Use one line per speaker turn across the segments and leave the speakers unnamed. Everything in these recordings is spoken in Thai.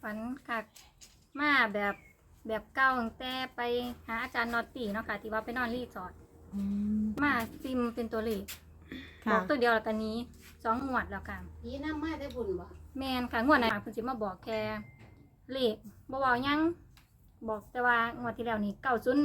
ฝันค่ะมาแบบเก่าตั้งแต่ไปหาอาจารย์นอตตี้เนาะค่ะที่ว่าไปนอนรีสอร์ทมาซิมเป็นตัวเลขบอกตัวเดียวแล้วตอนนี้2 งวดแล้วค่ะ
ผีน้ำมาได้บุญบ่
แมนค่ะงวดนั้นเพิ่นสิมาบอกแค่เลขบ่เว้าหยังบอกแต่ว่างวดที่แล้วนี่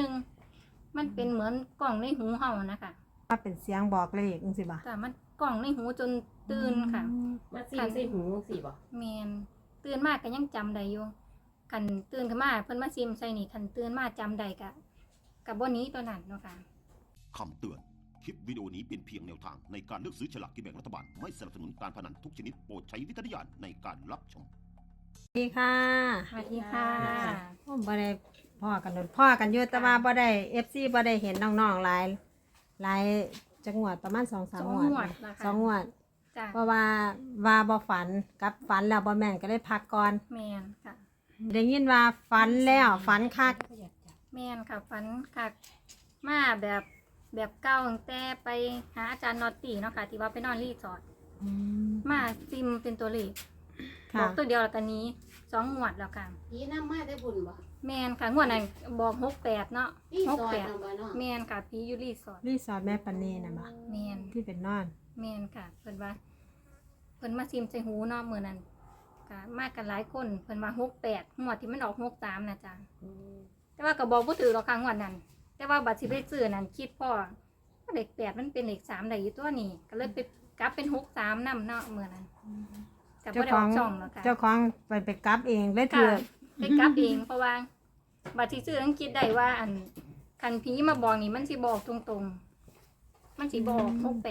901มันเป็นเหมือนกล่องในหูเฮานะคะ
ว่าเป็นเสียงบอกเลขจังซี่บ่
แต่มันกล่องในหูจนตื่นค่ะ
มาซิมใส่หูสิบ่
แมนตื่นมากก็ยังจำได้อยู่คันตื่นขึ้นมาเพิ่นมาซิมใส่นี่คันตื่นมาจำได้ก็บ่หนี้ตัวนั้นเนาะค่ะ
คำเตือน คลิปวิดีโอนี้เป็นเพียงแนวทางในการเลือกซื้อฉลากกินแบ่งรัฐบาล ไม่สนับสนุนการพนันทุกชนิดโปรดใช้วิจารณญาณในการรับชม
สวัสดีค่ะ
สวัสดีค่ะ
ผมบ่ได้พ่อกันโดนพ่อกันอยู่แต่ว่าบ่ได้ FC บ่ได้เห็นน้องๆหลายจังหวัดประมาณ 2-3 ง
สอง
วด
งวดแล้วค่ะ
สองงวด
จ้ะ
เพราะว่าบ่ฝันกับฝันแล้วบ่แม่นก็เลยพักก่อน
แมนค่ะ
ได้ยินว่าฝันแล้วฝันคัก
แม่นค่ะฝันค่ะมาแบบเก่าตั้งแต่ไปหาอาจารย์นอตตี้เนาะค่ะที่ว่าไปนอนรีสอร์ทมาซิมเป็นตัวเลขบ
ค่ะ
อกตัวเดียวแล้วตอนนี้2 งวดแล้วค่ะ
ผีน้ำมาได้บุญบ่
แม่นค่ะงวดนั้นบอก68เนาะ
พี่ซอยนำ
68
บ่เนาะ
แม่นค่ะพี่อยู่รีสอร์ท
รีสอร์ทแม่ปานนีน่ะบ่
แม่น
ที่เป็นนอน
แม่นค่ะเพิ่นว่าเพิ่นมาซิมใส่หูเนาะมื้อนั้นก็มากันหลายคนเพิ่นว่า68งวดที่มันออก63น่ะจ้ะแต่ว่าก็บอกบ่ถูกหรอกค่ะงวดนั้นแต่ว่าบัตรสิไปซื้อนั่นคิดพ่อเลข8มันเป็นเลข3ได้อยู่ตัวนี้ก็เลยไปกลับเป็น63นำเนาะมื้อนั้นก็บ่
เจ้า
ได้
ข
อ
อ
อง กช่องหรอกค่ะ
เจ้าของไปกลับเองเลยถื
ค่ะ
อ
ไปกลับเองเพราะว่าบัตรที่ซื้อต้องคิดได้ว่าอันคันผีมาบอกนี่มันสิบอกตรงๆ มันสิบอก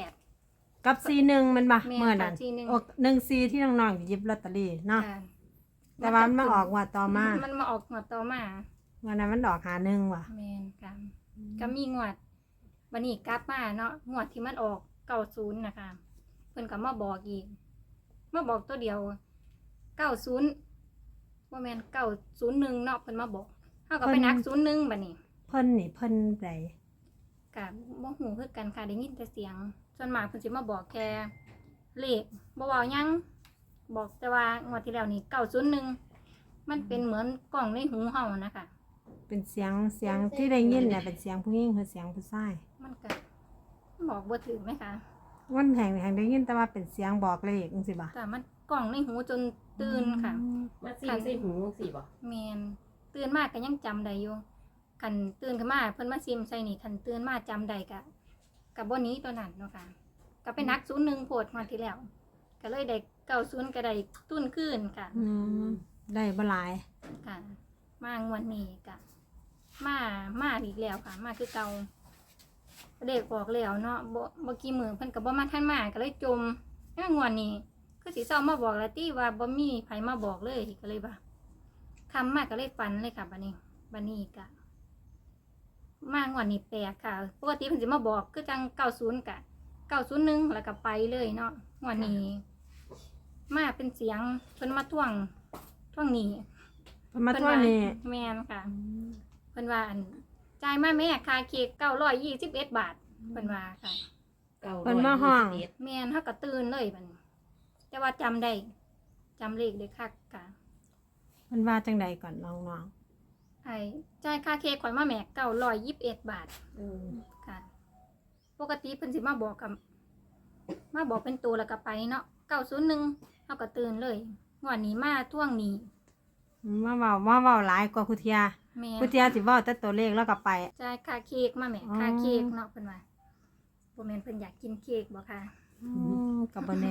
68
กับ41มันบ่
แม่น
เมื่อนั้น
ค่ะ41
ออก14ที่น้องๆหยิบลอตเตอรี่เนาะ
ค่ะ
แต่ว่ามันมาออกงว่าต่อมา
มันมาออกงวดต่อมา
วันนั้นมันออก51ว่ะ
แม่นค่ะก็มีงวดวันนี้กลับมาเนาะงวดที่มันออก90นะคะเพิ่นก็มาบอกอีกมาบอกตัวเดียว90บ่แม่น901เนาะเพิ่นมาบอกเฮาก็ไปนัก01บัดนี้
เพิ่นนี่เพิ่นได
ก็บ่ฮู้คือกันค่ะได้ยินแต่เสียงส่วนมากเพิ่นสิมาบอกแค่เลขบ่เว้าหยังบอกแต่ว่างวดที่แล้วนี่901มันเป็นเหมือนกล่องในหูเฮานะคะ
เป็นเสียงที่ได้ยินเนี่ยเป็นเสียงผู้หญิงหรือเสียงผู้ชาย
มันก็บอกบ่ถึงไหมคะ
วันแห่งได้ยินแต่ว่าเป็นเสียงบอกเลขจังซี่บ่
แต่มันกล่องในหูจนตื่นค่ะ
มาซิมใส่หูสิบ่
แมนตื่นมากก็ยังจำได้อยู่คันตื่นขึ้นมาเพิ่นมาซิมใส่นี่คันตื่นมาจำได้กับบ่หนี้ตัวนั้นเนาะค่ะก็ไปนัก01โพดมาที่แล้ว ก็เลยได้90ก็ได้ตุ้นขึ้นค่ะ
ได้บ่หลาย
ค่ะ มางวดนี้ก็มาอีกแล้วค่ะ มาคือเก่าเด็กบอกแล้วเนาะบ่กี่มื้อเพิ่นก็บ่มาทันมาก็เลยจมงวดนี้คือสิเช้ามาบอกแล้วติว่าบ่มีไผมาบอกเลยก็เลยว่าคำมาก็เลยฝันเลยค่ะบัดนี้ก็มางวดนี้แปลกค่ะปกติเพิ่นสิมาบอกคือจัง90กะ901แล้วก็ไปเลยเนาะงวดนี้มาเป็นเสียงเพิ่นมาท่วงหนี้
เพิ่นมาทั่วนี่
แม่นค่ะเพิ่นว่าอันจ่ายมาแม่ค่าเค้ก921 บาทเพิ่นว่าค่ะ
เพิ่นมาห้อง
แม่นเฮาก็ตื่นเลยบัดนี้แต่ว่าจำได้จำเลขได้คักค่ะ
เพิ่นว่าจังใดก่อนน้อง
ไอ้จ่ายค่าเค้กข่อยมาแม่921 บาทค่ะ ปกติเพิ่นสิมาบอกเป็นตัวแล้วก็ไปเนาะ901เฮาก็ตื่นเลยงวดนี้มาท่วงหนี้
ๆมาเว้าหลายกว่าคุเทีย
แม่น
คุเทียสิเว้าแต่ตัวเลขแล้วก็ไป
จ่ายค่าเค้กมาแม่
อ๋อ
ค่าเค้กเนาะเพิ่นว่าบ่แม่นเพิ่นอยากกินเค้กบ่ค่ะ
ก็บ่แน่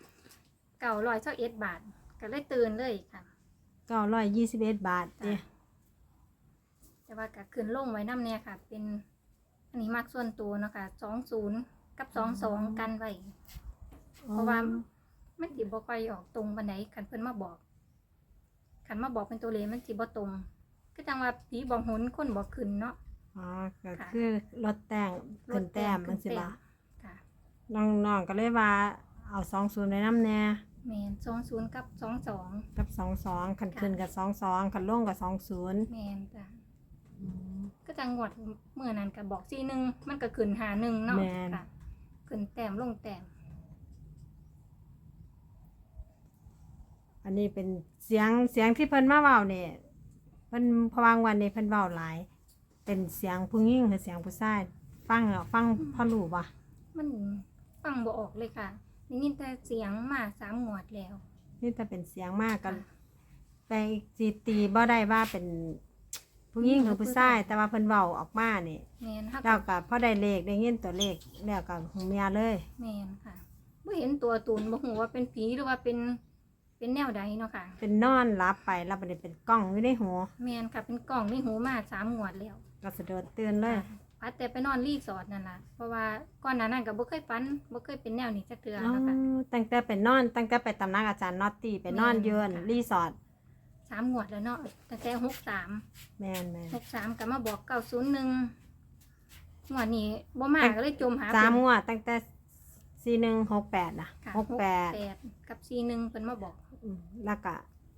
921 บาทก็เลยตื่นเลยค่ะ
921 บาทเด้
แต่ว่าก็ขึ้นลงไว้นำแน่ค่ะ เป็นอันนี้มักส่วนตัวเนาะค่ะ20กับ22กันไว้เพราะว่ามันสิบ่ค่อยออกตรงปานใดคันเพิ่นมาบอกคันมาบอกเป็นตัวเลขมันสิบ่ตรงก็จังว่าผีบอกหนคนบอกขึ้นเนาะ
อ๋อก็คือลดแต่งขึ้นแต้มจังซี่บ่
ค่ะ
น้องๆก็เลยว่าเอา20ไว้นำแน่
แม่น20กับ22
กับ22คันขึ้นกับ22คันลงกับ20
แม่นจ้ะก็จังหวัดเมื่อนั้นก็บอก41มันก็ขึ้น51เนาะค่ะขึ้นแต้มลงแต้ม
อันนี้เป็นเสียงที่เพิ่นมาเว้าเนี่ยเพิ่นพะวางวันนี้เพิ่นเว้าหลาย เป็นเสียงผู้หญิงหรือเสียงผู้ชายฟังแล้วฟังพอรู้บ่
มันฟังบ่ออกเลยค่ะได้ยินแต่เสียงมา3 งวดแล้ว
นี่แต่เป็นเสียงมากกัน
ค่ะ
ไปสิตีบ่ได้ว่าเป็นผู้หญิงหรือผู้ชายแต่ว่าเพิ่นเว้าออกมานี่
แม่นค่ะ
แล้วก็พอได้เลขได้ยินตัวเลขแล้วก็หูเมียเลย
แม่นค่ะบ่เห็นตัวตนบ่ฮู้ว่าเป็นผีหรือว่าเป็นแนวใดเนาะค่ะ
เป็นนอนรับไปแล้วบัดนี้เป็นกล้องอยู่ในหัว
แม่นค่ะเป็นกล่องในหูมา3 งวดแล้ว
ก็สะดุดตื่นเลย
พัดแต่ไปนอนรีสอร์ทนั่นล่ะเพราะว่าก่อนหน้านั้นก็บ่เคยฝันบ่เคยเป็นแนวนี้จักเทื่อ
อ๋อ
นะคะ
ตั้งแต่ไปนอนตั้งแต่ไปตำนักอาจารย์นอตตี้ไปนอนเยือน
ค่ะ
รีสอร์ท
3 งวดแล้วเนาะตั้งแต่63
แม่น
63ก็มาบอก901งวดนี้บ่มาก็เลยจมหา
สาม
เพิ่น
งวดตั้งแต่4168นะ
ค่ะ
68
กับ41เพิ่นมาบอก
แล้วก็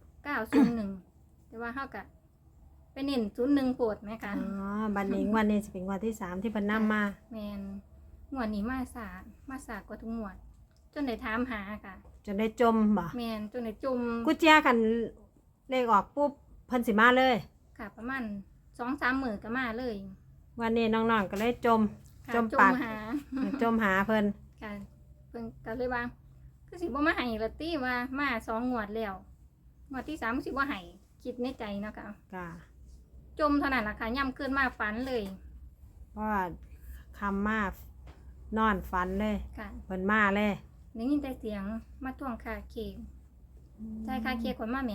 901แต่ว่าเฮาก็ไปเน้น01โพดแม่ค่ะ
อ๋อบัดนี้วันนี้สิเป็นงวดที่3ที่เพิ่นนำมา
แม่นงวดนี้มาสากว่าทุกงวด จนได้ถามหาค่ะ
จนได้จมบ่
แม่นจนได้จม
กูเจียคันเลขออกปุ๊บเพิ่นสิมาเลย
ค่ะประมาณ 2-3 มื้อก็มาเลย
วันนี้น้องๆก็เลยจม
ค่ะ
จมปาก
หา
จมหาเพิ่น
ค่ะเพิ่นก็เลยว่าคือสิบ่มาให้ละติว่ามา2 งวดแล้วงวดที่3คือสิบ่ให้คิดในใจเนาะค่ะ
ก็
จมเท่านั้นล่ะค่ะย่ำขึ้นมาฝันเลย
เพราะว่าคำมานอนฝันเลย
ค่ะ
เพิ่นมาเลย
ได้ยินแต่เสียงมาทวงค่าเค้กจ่ายค่าเค้กคนมาแหม่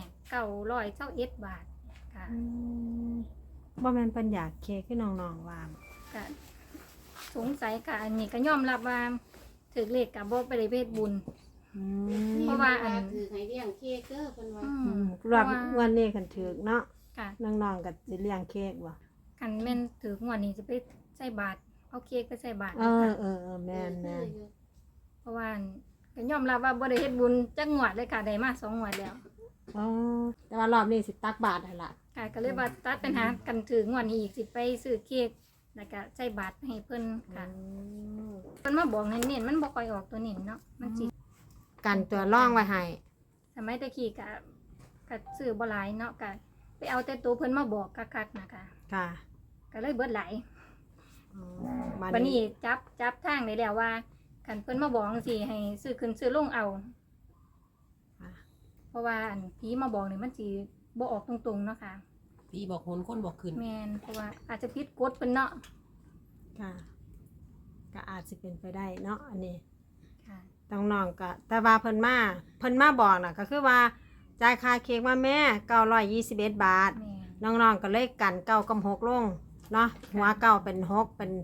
921 บาทค่ะ
อืมบ่แม่นเพิ่นอยากเคคือน้องๆว่า
ก็สงสัยค่ะอันนี้ก็ยอมรับว่าถือเลขกับบ่ไปได้เวทบุญ
อื
เพ
ม
ราะว่าอัน
ถือให้เลี้ยงเค้กเด้อเพิ่นว่า
รอบวันนี้คันถึกเนาะ
ค่ะ
น้องๆก็สิเลี้ยงเค้กบ่
คันแม่นถืองวดนี้จะไปใส่บาตรเอาเค้กไปใส่บาตร
เอ
ค่ะ
อแม่น
เพราะว่าก็ยอมรับว่าบ่ได้เฮ็ดบุญจักงวดเลยค่ะได้มา2 งวดแล้ว
อ๋อแต่ว่ารอบนี้สิตักบาตรให้ล่ะ
ค่ะก็เลยว่าตัดปัญหากันถืองวดนี้อีกสิไปซื้อเค้กแล้วก็ใส่บาตรให้เพิ่นค่ะเพิ่นมาบอกเน้นๆมันบ่ค่อยออกตัวเน้นเนาะมันสิ
กันตัวร่องไว้ให้
สมัยตะกี้ก็ซื้อบ่หลายเนาะก็ไปเอาแต่ตัวเพิ่นมาบอกคักๆนะคะ
ค่ะ
ก็เลยเบิดหลาย
อ๋อ
บัดนี้จับทางได้แล้วว่าคันเพิ่นมาบอกจังซี่ให้ซื้อขึ้นซื้อลงเอา
ค่ะ
เพราะว่าอันผีมาบอกนี่มันสิบ่ออกตรงๆเนาะค่ะ
พี่บอกคนคนบอกขึ้น
แม่นเพราะว่าอาจจะผิดกฎเพิ่นเนาะ
ค่ะก็อาจสิเป็นไปได้เนาะอันนี้
ค่ะ
น้องๆก็แต่ว่าเพิ่นมาบอกน่ะก็คือว่าจ่ายค่าเค้กมาแม่921 บาท
แม่น
น้องๆก็เลยกัน9กับ6ลงเนาะหัวเก้าเป็น6เป็น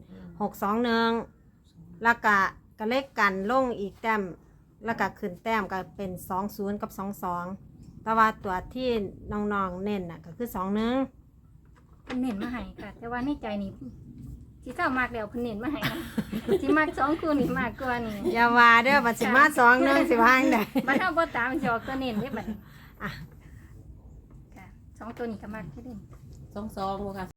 621แล้วก็เลขกันลงอีกแต้มแล้วก็ขึ้นแต้มก็เป็น20กับ22แต่ว่าตัวที่น้องๆเน้นน่ะก็คือ21
เพิ่นเน้นมาให้ค่ะ แต่ว่าในใจนี่สิเจ้ามากแล้วเพิ่นเน้นมาให้นะ สิมัก2คู่นี่มากกว่านี่
อย่าว่าเด้อบัดสิมา21สิว่าจั่งใด
บัดเฮาบ่ตามสิออกตัวเน้นเด้บัดนี้
อ่ะ
ค่ะ2ตัวนี้ก็มักคือเด่น
ซองบ่ค่ะ